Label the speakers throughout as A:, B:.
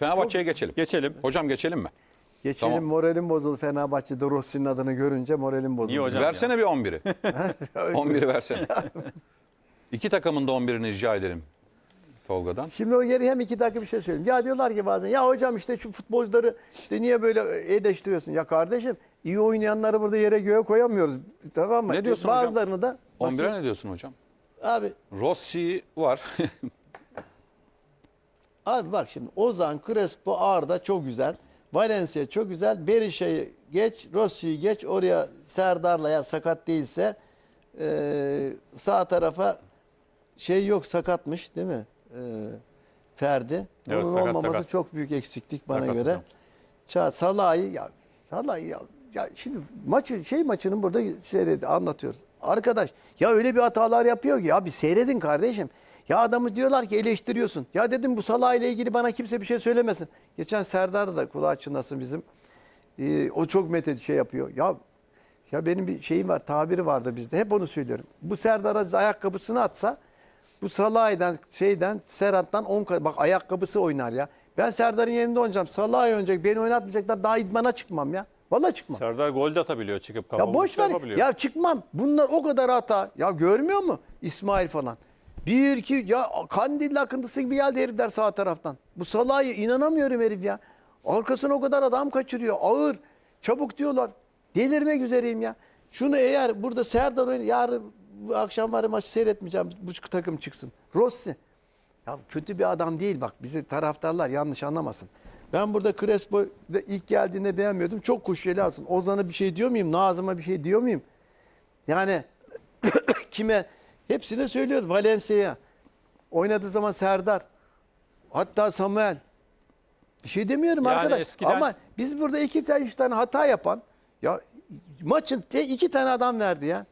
A: Fenerbahçe'ye geçelim.
B: Geçelim.
A: Hocam geçelim mi?
C: Geçelim,
A: Tamam.
C: moralim bozuldu. Fenerbahçe'de Rossi'nin adını görünce moralim bozuldu.
B: Niye hocam
A: Versene bir 11'i. 11'i versene. İki takımın da 11'ini rica edelim Tolga'dan.
C: Şimdi o geri hem 2 dakika bir şey söyleyeyim. Ya diyorlar ki bazen ya hocam işte şu futbolcuları işte niye böyle eleştiriyorsun? Ya kardeşim iyi oynayanları burada yere göğe koyamıyoruz. Tamam mı?
A: Ne diyorsun
C: Bazılarını
A: hocam?
C: da
A: 11'e ne diyorsun hocam?
C: Abi
A: Var.
C: Abi bak şimdi Ozan, Crespo, Arda çok güzel. Valencia çok güzel. Berisha'yı geç, Rossi'yi geç. Oraya Serdar'la eğer sakat değilse sağ tarafa şey yok, sakatmış değil mi? Ferdi.
B: Evet,
C: Onun
B: sakat,
C: olmaması
B: sakat.
C: çok büyük eksiklik bana
B: Sakat
C: göre.
B: hocam.
C: Salah'ı ya şimdi maçının burada anlatıyoruz. Arkadaş ya öyle bir hatalar yapıyor ki ya bir seyredin kardeşim. Ya adamı diyorlar ki eleştiriyorsun. Ya dedim bu Salah ile ilgili bana kimse bir şey söylemesin. Geçen Serdar da kulağı çınlasın bizim. O çok yapıyor. Ya benim bir şeyim var, tabiri vardı bizde. Hep onu söylüyorum. Bu Serdar Aziz ayakkabısını atsa bu Salah'dan Serhat'tan 10 kat. Bak ayakkabısı oynar ya. Ben Serdar'ın yerinde oynayacağım. Salah'ı oynayacak. Beni oynatmayacaklar. Daha idmana çıkmam ya. Vallahi çıkmam.
B: Serdar gol de atabiliyor çıkıp.
C: Ya boş ver. Ya çıkmam. Bunlar o kadar hata. Ya görmüyor mu? İsmail falan. Bir iki ya kandil akıntısı gibi geldi herifler sağ taraftan. Bu Salah'ı inanamıyorum herif ya. Arkasına o kadar adam kaçırıyor. Ağır. Çabuk diyorlar. Delirmek üzereyim ya. Şunu eğer burada Serdar oynar. Yarın bu akşam var maçı seyretmeyeceğim. Bu takım çıksın. Rossi. Ya kötü bir adam değil bak. Bizi taraftarlar yanlış anlamasın. Ben burada Crespo ilk geldiğinde beğenmiyordum. Çok kuşyeli alsın. Ozan'a bir şey diyor muyum? Nazım'a bir şey diyor muyum? Yani kime? Hepsine söylüyoruz. Valencia'ya. Oynadığı zaman Serdar. Hatta Samuel. Bir şey demiyorum
B: Yani
C: arkadaş.
B: eskiden...
C: Ama biz burada 2-3 tane hata yapan ya maçın 2 tane adam verdi ya.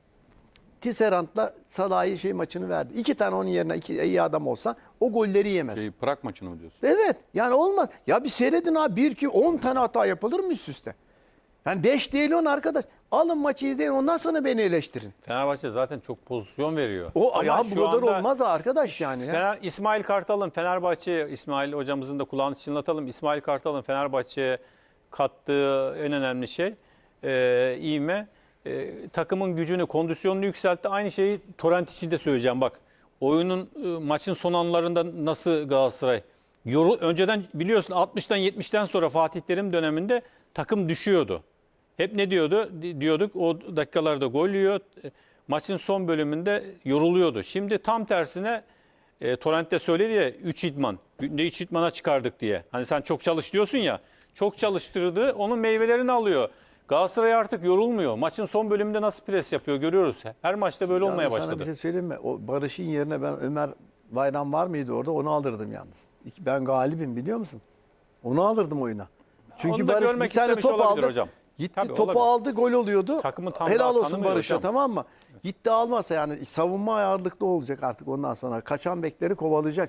C: Tisserand'la Salah'ı maçını verdi. 2 tane onun yerine iyi adam olsa o golleri yemez.
A: Prag maçını mı diyorsun?
C: Evet. Yani olmaz. Ya bir seyredin abi 1-2-10 tane hata yapılır mı üst üste? Yani 5 değil 10 arkadaş. Alın maçı izleyin ondan sonra beni eleştirin.
B: Fenerbahçe zaten çok pozisyon veriyor.
C: O ya bu
B: şu
C: kadar
B: anda
C: olmaz arkadaş yani. Ya.
B: İsmail Kartal'ın Fenerbahçe'ye, İsmail hocamızın da kulağını çınlatalım. İsmail Kartal'ın Fenerbahçe'ye kattığı en önemli şey ivme. Takımın gücünü, kondisyonunu yükseltti. Aynı şeyi Torrent için de söyleyeceğim bak. Maçın son anlarında nasıl Galatasaray önceden biliyorsun 60'tan 70'ten sonra Fatih Terim döneminde takım düşüyordu. Hep ne diyorduk o dakikalarda gol yiyor. Maçın son bölümünde yoruluyordu. Şimdi tam tersine Torrent de söyledi ya 3 idman. Günde 3 idmana çıkardık diye. Hani sen çok çalış diyorsun ya. Çok çalıştırdı. Onun meyvelerini alıyor. Galatasaray artık yorulmuyor. Maçın son bölümünde nasıl pres yapıyor görüyoruz. Her maçta böyle olmaya başladı.
C: Sana bir şey söyleyeyim mi? O Barış'ın yerine ben Ömer Bayram var mıydı orada? Onu alırdım yalnız. Ben galibim biliyor musun? Onu alırdım oyuna. Çünkü Barış bir tane top aldı.
B: Hocam.
C: Gitti
B: Tabii,
C: topu
B: olabilir.
C: aldı gol oluyordu.
B: Takımı tam
C: helal
B: daha
C: olsun
B: tanımıyor
C: Barış'a
B: hocam.
C: tamam mı? Gitti almasa yani savunma ağırlıklı olacak artık ondan sonra. Kaçan bekleri kovalayacak.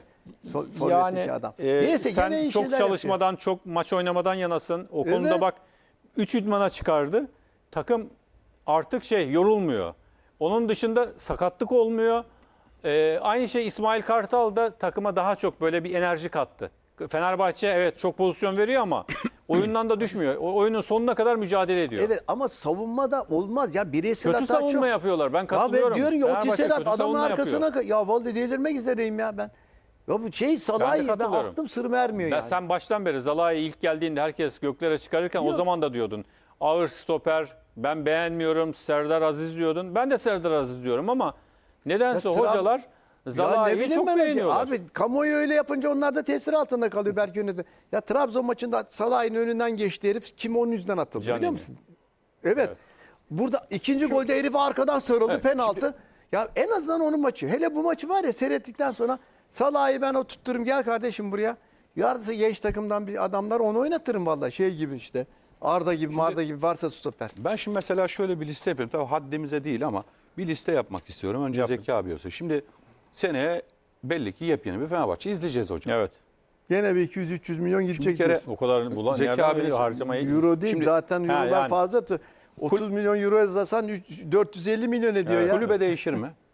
B: Yani
C: adam. Neyse,
B: sen
C: gene iyi
B: çok
C: şeyler
B: çalışmadan, çok maç oynamadan yanasın. O
C: Evet.
B: konuda bak 3 idmana çıkardı. Takım artık yorulmuyor. Onun dışında sakatlık olmuyor. Aynı şey İsmail Kartal da takıma daha çok böyle bir enerji kattı. Fenerbahçe evet çok pozisyon veriyor ama oyundan da düşmüyor. O oyunun sonuna kadar mücadele ediyor.
C: Evet ama savunmada olmaz ya bireysel
B: Kötü
C: hata çok.
B: savunma yapıyorlar. Ben
C: Ya
B: katılıyorum.
C: ben diyorum ya o
B: Fenerbahçe
C: Tisserand
B: kötü
C: adamın
B: savunma
C: arkasına
B: yapıyor.
C: ya vallahi delirmek üzereyim ya ben. Ya bu Salah'ı ben
B: katılıyorum.
C: aklım sırrım ermiyor yani.
B: Sen baştan beri Zalai'yi ilk geldiğinde herkes göklere çıkarırken o zaman da diyordun. Ağır stoper, ben beğenmiyorum, Serdar Aziz diyordun. Ben de Serdar Aziz diyorum ama nedense hocalar Zalai'yi çok beğeniyorlar.
C: Abi kamuoyu öyle yapınca onlar da tesir altında kalıyor belki yönetim. Ya Trabzon maçında Salah'ın önünden geçti herif. Kim onun yüzünden atıldı
B: Canini.
C: biliyor musun? Evet. Burada ikinci golde herif arkadan sarıldı penaltı. Ya en azından onun maçı. Hele bu maçı var ya seyrettikten sonra Salah'ı ben tuttururum gel kardeşim buraya. Yarın genç takımdan bir adamlar onu oynatırım vallahi gibi işte. Arda gibi, Marda gibi varsa stoper.
A: Ben şimdi mesela şöyle bir liste yapıyorum. Tabii haddimize değil ama bir liste yapmak istiyorum. Önce Zeki abi olsa. Şimdi seneye belli ki yepyeni bir Fenerbahçe izleyeceğiz hocam.
B: Evet.
C: Gene bir 200-300 milyon gidecek.
A: Bir kere
C: diyorsun.
B: O kadar
A: Zeki
B: nereden
A: abinin
B: veriyor harcamayı?
C: Euro değil
A: Şimdi-
C: zaten eurolar
B: yani.
C: fazla. 30 milyon euro yazasan 450 milyon ediyor ya.
A: Kulübe değişir mi?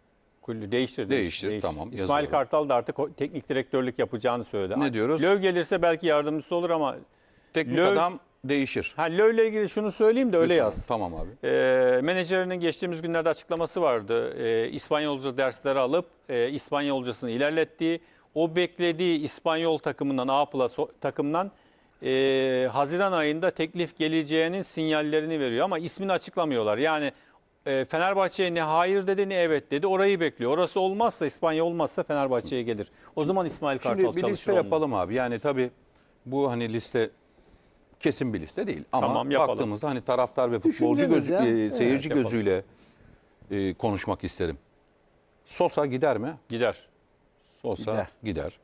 B: Değiştir.
A: Değiştir, tamam,
B: İsmail
A: yazıyorum.
B: Kartal da artık teknik direktörlük yapacağını söyledi.
A: Ne diyoruz?
B: Löw gelirse belki yardımcısı olur ama
A: Teknik
B: Löw-
A: adam değişir.
B: Löw ile ilgili şunu söyleyeyim de öyle
A: Lütfen.
B: yaz.
A: Tamam abi.
B: Menajerinin geçtiğimiz günlerde açıklaması vardı. İspanyolca dersleri alıp İspanyolcasını ilerlettiği, o beklediği İspanyol takımından, A+ takımdan Haziran ayında teklif geleceğinin sinyallerini veriyor. Ama ismini açıklamıyorlar. Yani Fenerbahçe'ye ne hayır dedi ne evet dedi. Orayı bekliyor. Orası olmazsa, İspanya olmazsa Fenerbahçe'ye gelir. O zaman İsmail Kartal
A: Şimdi bir
B: çalışır
A: liste
B: onunla.
A: yapalım abi. Yani tabii bu hani liste kesin bir liste değil. Ama
B: Tamam, yapalım.
A: baktığımızda hani taraftar ve futbolcu
C: Düşüncemiz ya.
A: seyirci
B: Evet,
A: gözüyle konuşmak isterim. Sosa gider mi?
B: Gider.
A: Sosa gider.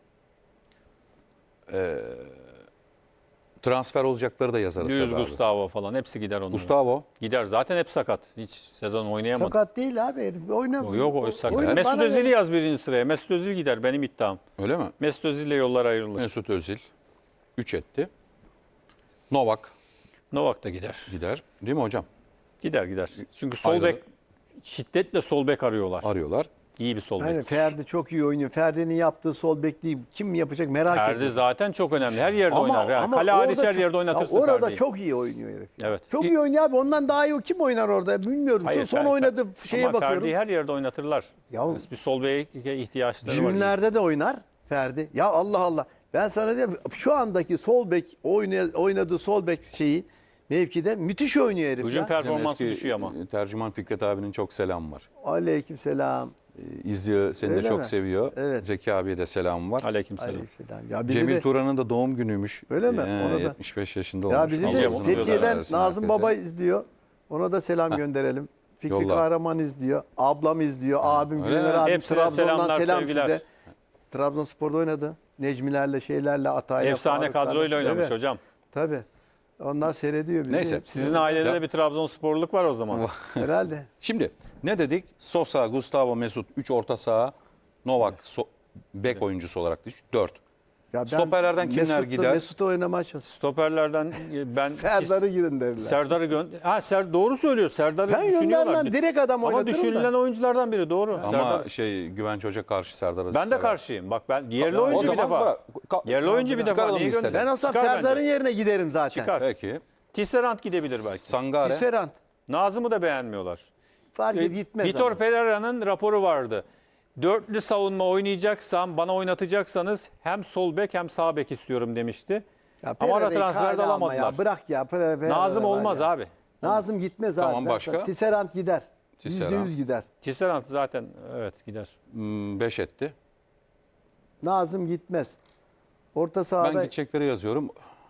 A: Transfer olacakları da yazarız.
B: Luis
A: tabii abi.
B: Gustavo falan hepsi gider onların.
A: Gustavo.
B: Gider. Zaten hep sakat. Hiç sezon oynayamadı.
C: Sakat değil abi herif. Oynamıyor.
B: Yok o sakat.
C: Oyna,
B: Mesut
C: bana
B: Özil'i
C: göre.
B: yaz birinci sıraya. Mesut Özil gider benim iddiam.
A: Öyle mi?
B: Mesut Özil'le yollar ayrılır.
A: Mesut Özil 3 etti. Novak
B: Novak da gider.
A: gider. Değil mi hocam?
B: Gider. Çünkü sol
A: Ayrılır.
B: bek şiddetle sol bek arıyorlar.
A: Arıyorlar.
B: İyi bir sol bek.
C: Aynen, Ferdi çok iyi oynuyor. Ferdi'nin yaptığı sol bekliği kim yapacak merak
B: Ferdi
C: ediyorum.
B: zaten çok önemli. Her yerde oynar. Yani kale
C: orada
B: hariç her
C: çok-
B: yerde
C: ya
B: oynatırsın
C: orada
B: Ferdi'yi.
C: çok iyi oynuyor herif. ya.
B: Evet.
C: Çok iyi oynuyor abi. Ondan daha iyi kim oynar orada bilmiyorum.
B: Hayır,
C: Şu son
B: Ferdi-
C: oynadığı şeye
B: ama
C: bakıyorum.
B: Ferdi'yi her yerde oynatırlar.
C: Ya-
B: Bir sol beke ihtiyaçları var.
C: Cimlerde de oynar Ferdi. Ya Allah Allah. Ben sana diyeyim şu andaki sol bek oynadığı sol bek şeyi mevkide müthiş oynuyor herif
B: Hücum
C: ya.
B: performansı
A: Eski
B: düşüyor ama.
A: Tercüman Fikret abinin çok selam var.
C: Aleykümselam.
A: İzliyor, seni de
C: Öyle
A: çok
C: mi?
A: seviyor.
C: Evet.
A: Zeki abiye de selam var.
B: Aleykümselam.
C: Aleykümselam. Ya bizi
A: Cemil
C: de,
A: Turan'ın da doğum günüymüş.
C: Öyle mi? Ona da-
A: 75 yaşında
C: ya
A: olmuş.
C: bizi
A: Allah
C: de
A: uzun
C: Fethiye'den
A: ömürler versin
C: Nazım
A: herkese.
C: Baba izliyor. Ona da selam gönderelim. Fikri
A: Yolla.
C: Kahraman izliyor. Ablam izliyor. Abim
A: öyle
C: Güner
A: mi?
C: abi
B: Hepsine
C: Trabzon'dan
B: selamlar,
C: selam
B: sevgiler.
C: size. Trabzonspor'da oynadı. Necmilerle şeylerle Atay'la.
B: Efsane
C: Faruk'larla.
B: kadroyla oynamış
C: Evet,
B: hocam.
C: tabii. Onlar seyrediyor bizi.
A: Neyse.
B: Sizin ailede
A: Ya-
B: de bir Trabzonsporluk var o zaman.
C: Herhalde.
A: Şimdi ne dedik? Sosa, Gustavo, Mesut 3 orta saha. Novak bek oyuncusu olarak 4.
C: Ya ben
A: Stoperlerden kimler gider?
C: Mesut'u oynamaya çalışıyorum.
B: Stoperlerden ben
C: Serdar'ı gidin derler.
B: Serdar'ı doğru söylüyor. Serdar'ı
C: Ben
B: düşünüyorlar.
C: göndermem. Direkt adam
B: Ama
C: oynatırım
B: düşünülen
C: da.
B: oyunculardan biri doğru.
A: Ama
B: Serdar.
A: Güvenç Hoca karşı Serdar'ı
B: Ben de
A: sever.
B: karşıyım. Bak ben yerli
A: O
B: oyuncu bir
A: zaman
B: defa.
A: bırak.
B: Yerli oyuncu bir defa.
A: Çıkaralım
B: Niye
A: listeden.
B: gönder?
C: Ben olsam
B: Çıkar
C: Serdar'ın
B: bence.
C: yerine giderim zaten.
B: Çıkar.
A: Peki.
B: Tisserand gidebilir belki.
A: Sangare.
C: Tisserand.
B: Nazım'ı da beğenmiyorlar.
C: Fark et gitmez.
B: Vitor
C: ama.
B: Pereira'nın raporu vardı. Dörtlü savunma oynayacaksam, bana oynatacaksanız hem sol bek hem sağ bek istiyorum demişti.
C: Ya
B: Ama ara
C: Pereira'yı
B: transferde
C: kale alma
B: alamadılar.
C: Ya. Bırak ya.
B: Nazım
C: var
B: olmaz
C: ya.
B: abi.
C: Nazım gitmez abi.
A: Tamam,
C: Ben
A: başka?
C: sana- Tisserand gider.
A: Tisserand.
C: %100 gider.
B: Tisserand zaten evet gider.
A: 5 etti.
C: Nazım gitmez. Orta sahada
A: Ben gidecekleri yazıyorum.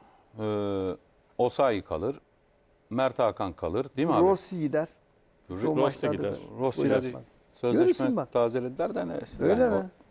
A: Osayi kalır. Mert Hakan kalır. Değil mi abi?
C: Rossi gider. Son
B: Rossi
C: maçlarda
B: gider.
C: da
A: Rossi
C: gol
A: ile
C: atmaz.
A: sözleşme
C: Görürsün bak.
A: tazelediler de ne?
C: Öyle
A: Yani
C: mi?